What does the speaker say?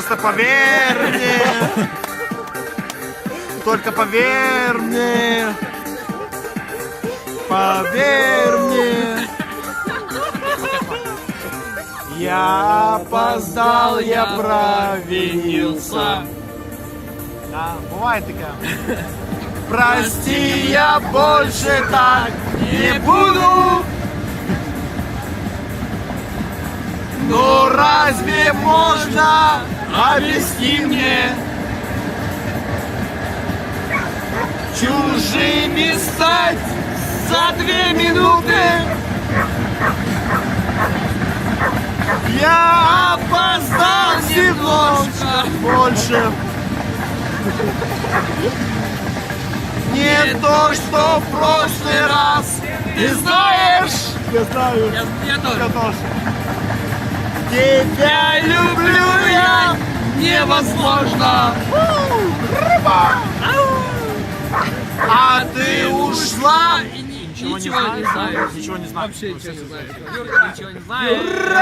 Просто поверь мне. Только поверь мне. Поверь мне. Я опоздал, я провинился. Да, бывает такая. Прости, я больше так не буду. Но разве можно, объясни мне, чужими стать за 2 минуты? Я опоздал немножко больше. Не то, что в прошлый раз. Ты знаешь? Я знаю. Я тоже. Тебя люблю я невозможно. А ты ушла. Ничего не знаю. Ничего не знаю. Вообще ничего не знаю. Ничего не знаю.